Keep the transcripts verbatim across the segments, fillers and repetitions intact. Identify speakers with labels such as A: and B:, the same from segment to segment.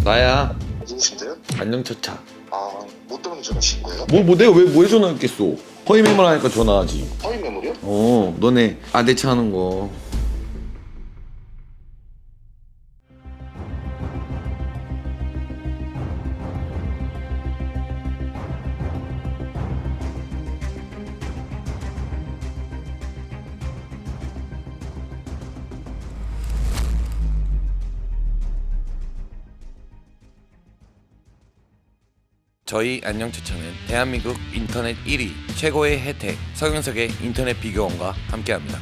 A: 나야.
B: 누구신데요?
A: 안녕차차.
B: 아, 뭐 때문에 전화하신 거예요?
A: 뭐, 뭐 내가 왜, 왜 전화했겠어? 허위 매물 하니까 전화하지.
B: 허위 매물이요?
A: 어, 너네 아대차 하는 거. 저희 안녕추천은 대한민국 인터넷 일 위 최고의 혜택 서경석의 인터넷 비교원과 함께합니다.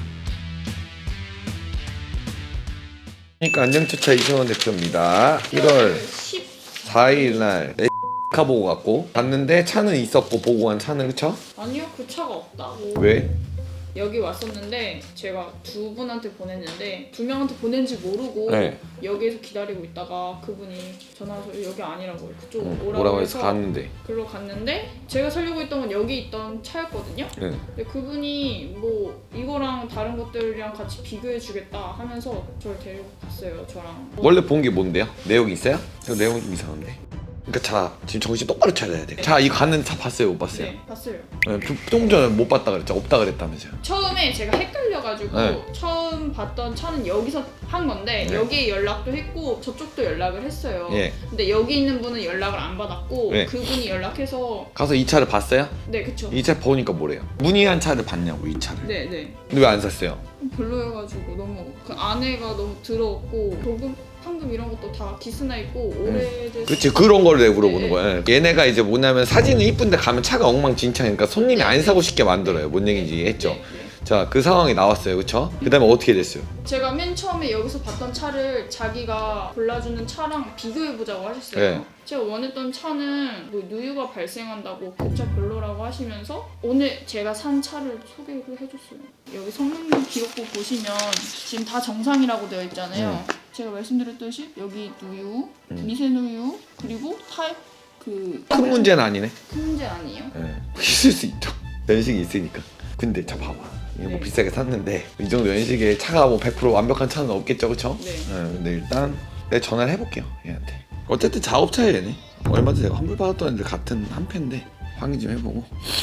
A: 그러니까 안녕추천 이성원 대표입니다. 일월 십사일 날 카 보고 갔고 갔는데 차는 있었고 보고 간 차는 그쵸?
C: 아니요, 그 차가 없다.
A: 왜?
C: 여기 왔었는데 제가 두 분한테 보냈는데 두 명한테 보낸지 모르고
A: 네.
C: 여기에서 기다리고 있다가 그분이 전화 와서 여기 아니라고 그쪽
A: 응,
C: 오라고
A: 오라고
C: 해서
A: 해서 갔는데.
C: 글로 갔는데 제가 살려고 했던 건 여기 있던 차였거든요.
A: 네.
C: 근데 그분이 뭐 이거랑 다른 것들이랑 같이 비교해 주겠다 하면서 저를 데리고 갔어요. 저랑
A: 원래 본 게 뭔데요? 내용이 있어요? 저 내용이 좀 이상한데. 그러니까 차 지금 정신 똑바로 차려야 돼. 차 이거 가는 차 봤어요? 못 봤어요?
C: 네, 봤어요.
A: 네, 좀, 좀 전에 못 봤다 그랬죠? 없다 그랬다면서요?
C: 처음에 제가 헷갈려가지고
A: 네.
C: 처음 봤던 차는 여기서 한 건데
A: 네.
C: 여기에 연락도 했고 저쪽도 연락을 했어요.
A: 예.
C: 근데 여기 있는 분은 연락을 안 받았고
A: 네.
C: 그분이 연락해서
A: 가서 이 차를 봤어요?
C: 네 그쵸.
A: 이 차 보니까 뭐래요? 문의한 차를 봤냐고 이 차를.
C: 네네.
A: 근데 왜 안 샀어요?
C: 별로여가지고 너무 그 안에가 너무 더럽고 도금 황금 이런 것도 다 기스나 있고 오래돼서
A: 그렇지 그런 걸 내가 물어보는
C: 네.
A: 거야. 얘네가 이제 뭐냐면 사진은 이쁜데 가면 차가 엉망진창이니까 손님이 안 사고 싶게 만들어요. 뭔 얘기인지 했죠?
C: 네, 네.
A: 자 그 상황이 나왔어요. 그쵸? 그 다음에 어떻게 됐어요?
C: 제가 맨 처음에 여기서 봤던 차를 자기가 골라주는 차랑 비교해보자고 하셨어요.
A: 네.
C: 제가 원했던 차는 뭐 누유가 발생한다고 그 차 별로라고 하시면서 오늘 제가 산 차를 소개를 해줬어요. 여기 성능 기록부 보시면 지금 다 정상이라고 되어 있잖아요.
A: 음.
C: 제가 말씀드렸듯이 여기 누유,
A: 음.
C: 미세누유, 그리고 타입 그...
A: 큰 문제는 아니네.
C: 큰 문제 아니에요?
A: 네. 있을 수 있죠. 연식이 있으니까. 근데 자 봐봐. 이거 뭐
C: 네.
A: 비싸게 샀는데 이 정도 연식에 차가 뭐 백 퍼센트 완벽한 차는 없겠죠, 그쵸?
C: 네.
A: 네, 근데 일단 내가 전화를 해볼게요 얘한테. 어쨌든 작업차에 얘네 얼마 전에 내가 환불 받았던 애들 같은 한 패인데 확인 좀 해보고.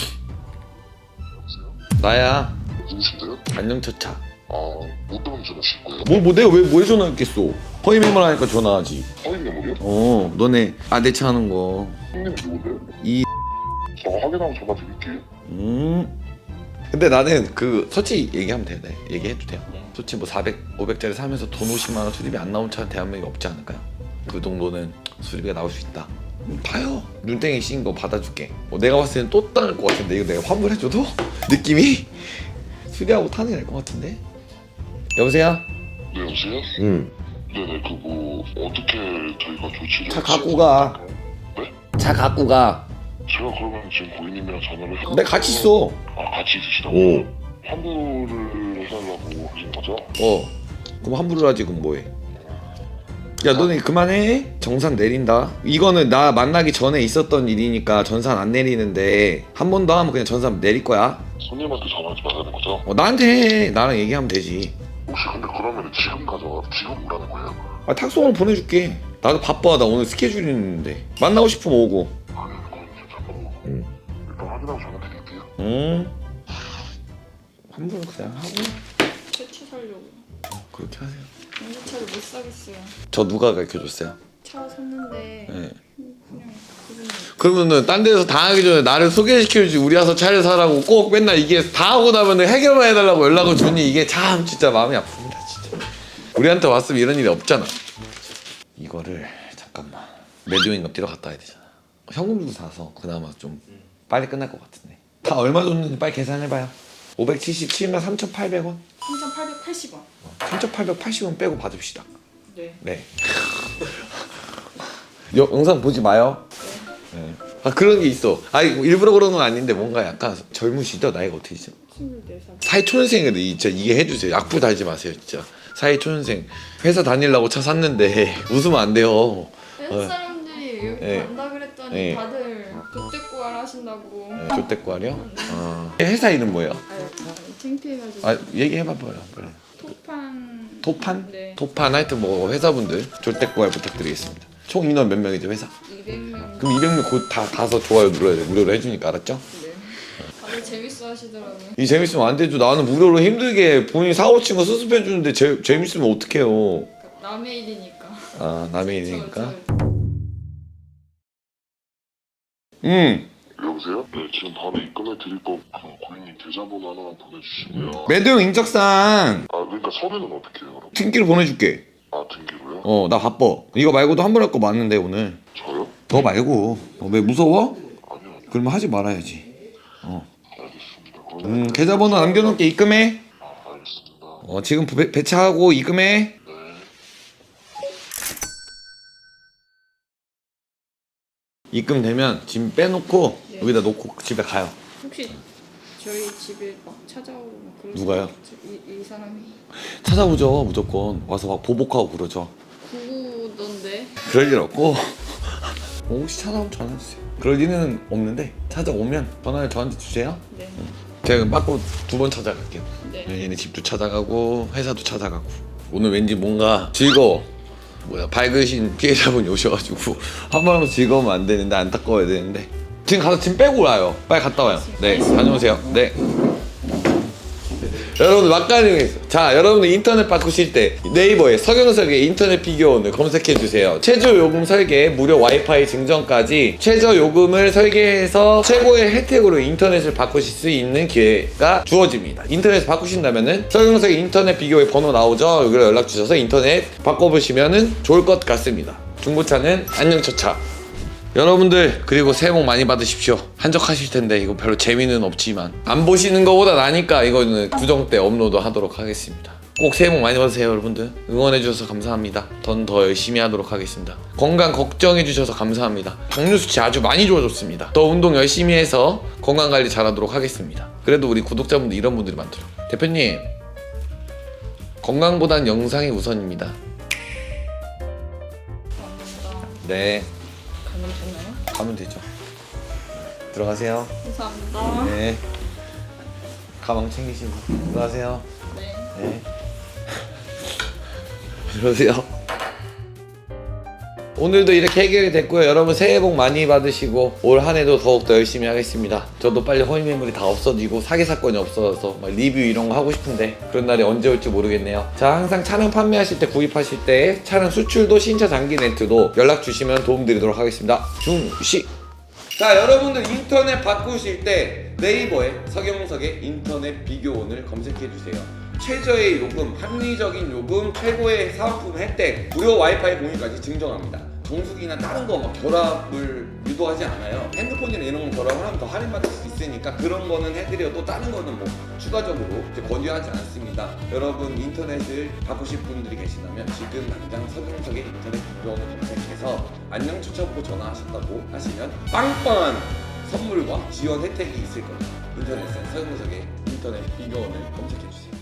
A: 나야.
B: 누구신데요?
A: 안녕차차.
B: 아, 뭐 때문에 전화하신 거예요?
A: 뭐, 뭐 내가 왜, 왜 전화했겠어? 허위 매물 하니까 전화하지.
B: 허위 매물이요?
A: 어 너네 아대차 하는 거.
B: 형님 누구세요?
A: 이
B: 제가 확인하고 전화 드릴게요.
A: 음. 근데 나는 그 솔직히 얘기하면 돼요. 네. 얘기해도 돼요.
C: 네.
A: 솔직히 뭐 사백, 오백짜리 사면서 돈 오십만 원 수리비 안 나온 차는 대한민국에 없지 않을까요? 그 정도는 수리비가 나올 수 있다. 음, 봐요. 눈땡이 씌인 거 받아줄게. 뭐 내가 봤을 때는 또 따를 것 같은데 이거 내가 환불해줘도 느낌이 수리하고 타는 게 날 것 같은데. 여보세요?
B: 네, 여보세요?
A: 응.
B: 네네, 그 뭐 어떻게 저희가 조치를...
A: 차 갖고 가.
B: 네?
A: 차 갖고 가.
B: 제가 그러면 지금 고객님이랑 전화를 해서...
A: 내가 같이 있어.
B: 아, 같이 있으시다고?
A: 오.
B: 환불을 해달라고 하신 거죠?
A: 어. 그럼 환불을 하지 그럼 뭐해? 야 너네 그만해. 정산 내린다. 이거는 나 만나기 전에 있었던 일이니까 전산 안 내리는데 한 번 더 하면 그냥 전산 내릴 거야.
B: 손님한테 전화하지 말라는 거죠?
A: 어, 나한테 해. 나랑 얘기하면 되지.
B: 혹시 근데 그러면 지금 가져가 지금 오라는 거예요?
A: 아 탁송을 보내줄게. 나도 바빠. 나 오늘 스케줄이 있는데 만나고 싶으면 오고.
B: 아니 그럼 잠깐만
A: 응.
B: 일단 확인하고 전화 드릴게요.
A: 응. 환불 그냥 하고
C: 새 차 살려고.
A: 그렇게 하세요.
C: 연료차를 못 사겠어요.
A: 저 누가 가르쳐줬어요?
C: 차 샀는데
A: 네.
C: 그냥 그분이
A: 그러면은 딴 데서 다 하기 전에 나를 소개시켜주지. 우리 와서 차를 사라고 꼭 맨날 이게 다 하고 나면은 해결만 해달라고 연락을 주니 이게 참 진짜 마음이 아픕니다 진짜. 우리한테 왔으면 이런 일이 없잖아. 이거를 잠깐만 매도인감 뛰러 갔다 와야 되잖아. 현금 주고 사서 그나마 좀 빨리 끝날 것 같은데. 다 얼마 줬는지 빨리 계산해봐요. 오백칠십칠만 삼천팔백 원.
C: 삼천팔백팔십 원.
A: 삼천팔백팔십 원 빼고 받읍시다.
C: 네.
A: 네. 여, 영상 보지 마요. 네. 아 그런 게 있어. 아 일부러 그런 건 아닌데 뭔가 약간 젊으시죠? 나이가 어떻게 되죠?
C: 스물네 살.
A: 사회초년생인데 진짜 이게 해주세요. 약부 달지 마세요 진짜. 사회초년생 회사 다니려고 차 샀는데 웃으면 안 돼요.
C: 다른 사람들이 여기
A: 네.
C: 간다 그랬더니
A: 네.
C: 다들 족대꾸알 하신다고.
A: 네, 족대꾸알이요? 아. 회사 이름 뭐예요?
C: 아유, 창피해가지고.
A: 아 얘기해봐봐요. 그래.
C: 토판.
A: 토판?
C: 네.
A: 토판 하여튼 뭐 회사분들 족대꾸알 부탁드리겠습니다. 총 인원 몇 명이죠 회사?
C: 이백 명.
A: 그럼 이백 명 곧 다 가서 좋아요 눌러야 돼. 무료로 해주니까 알았죠?
C: 네. 다들 재밌어 하시더라고요.
A: 이 재밌으면 안 되죠. 나는 무료로 힘들게 본인 사고 친 거 수습해 주는데 재 재밌으면 어떡해요.
C: 남의 일이니까.
A: 아 남의 일이니까.
C: 저, 저,
A: 음.
B: 여보세요? 네, 지금 바로 입금해 드릴 거고 고객님 계좌번호 하나만 보내주시고요.
A: 매도형 인적상
B: 아, 그러니까 서류는 어떻게 해요, 그럼?
A: 등기로 보내줄게.
B: 아, 등기로요?
A: 어 나 바빠. 이거 말고도 한 번 할 거 많은데 오늘.
B: 저요?
A: 너 말고. 어, 왜 무서워?
B: 아니요, 아니요.
A: 그러면 하지 말아야지. 어.
B: 알겠습니다. 그러면
A: 음 계좌번호 남겨놓을게. 입금해.
B: 아, 알겠습니다.
A: 어 지금 배, 배차하고 입금해.
B: 네.
A: 입금되면 짐 빼놓고
C: 네.
A: 여기다 놓고 집에 가요.
C: 혹시 저희 집에 막 찾아오고 막 그러지
A: 누가요?
C: 않겠죠? 이, 이 사람이
A: 찾아오죠 무조건. 와서 막 보복하고 그러죠.
C: 구구던데.
A: 그럴 일 없고 혹시 찾아오면 전화 주세요. 그럴 일은 없는데 찾아오면 전화를 저한테 주세요.
C: 네.
A: 제가 맞고 두 번 찾아갈게요.
C: 네.
A: 얘네 집도 찾아가고 회사도 찾아가고. 오늘 왠지 뭔가 즐거워. 뭐야 밝으신 피해자분이 오셔가지고 한 번 하면 즐거우면 안 되는데 안타까워야 되는데 지금 가서 짐 빼고 와요. 빨리 갔다 와요. 네 다녀오세요. 네. 여러분들 막간이 있어. 자 여러분들 인터넷 바꾸실 때 네이버에 서경석의 인터넷 비교원을 검색해주세요. 최저 요금 설계, 무료 와이파이 증정까지 최저 요금을 설계해서 최고의 혜택으로 인터넷을 바꾸실 수 있는 기회가 주어집니다. 인터넷 바꾸신다면은 서경석의 인터넷 비교의 번호 나오죠? 여기로 연락 주셔서 인터넷 바꿔보시면은 좋을 것 같습니다. 중고차는 안녕처차. 여러분들 그리고 새해 복 많이 받으십시오. 한적하실 텐데 이거 별로 재미는 없지만 안 보시는 거보다 나니까 이거는 구정 때 업로드 하도록 하겠습니다. 꼭 새해 복 많이 받으세요 여러분들. 응원해 주셔서 감사합니다. 전 더 열심히 하도록 하겠습니다. 건강 걱정해 주셔서 감사합니다. 당뇨 수치 아주 많이 좋아졌습니다. 더 운동 열심히 해서 건강 관리 잘하도록 하겠습니다. 그래도 우리 구독자분들 이런 분들이 많더라고요. 대표님 건강보단 영상이 우선입니다.
C: 감사합니다.
A: 네
C: 가면 되나요?
A: 가면 되죠. 들어가세요.
C: 감사합니다.
A: 네. 가방 챙기시고 들어가세요.
C: 네.
A: 네. 들어오세요. 오늘도 이렇게 해결이 됐고요. 여러분 새해 복 많이 받으시고 올 한 해도 더욱더 열심히 하겠습니다. 저도 빨리 허위 매물이 다 없어지고 사기 사건이 없어져서 막 리뷰 이런 거 하고 싶은데 그런 날이 언제 올지 모르겠네요. 자 항상 차량 판매하실 때 구입하실 때 차량 수출도 신차 장기 렌트도 연락 주시면 도움 드리도록 하겠습니다. 중시. 자 여러분들 인터넷 바꾸실 때 네이버에 서경석의 인터넷 비교원을 검색해 주세요. 최저의 요금, 합리적인 요금, 최고의 사은품 혜택, 무료 와이파이 공유까지 증정합니다. 정수기나 다른 거 막 결합을 유도하지 않아요. 핸드폰이나 이런 거 결합을 하면 더 할인받을 수 있으니까 그런 거는 해드려도 다른 거는 뭐 추가적으로 이제 권유하지 않습니다. 여러분 인터넷을 바꾸실 분들이 계시다면 지금 당장 서경석의 인터넷 비교원을 검색해서 안녕 추천부 전화하셨다고 하시면 빵빵한 선물과 지원 혜택이 있을 겁니다. 인터넷에 서경석의 인터넷 비교원을 검색해주세요.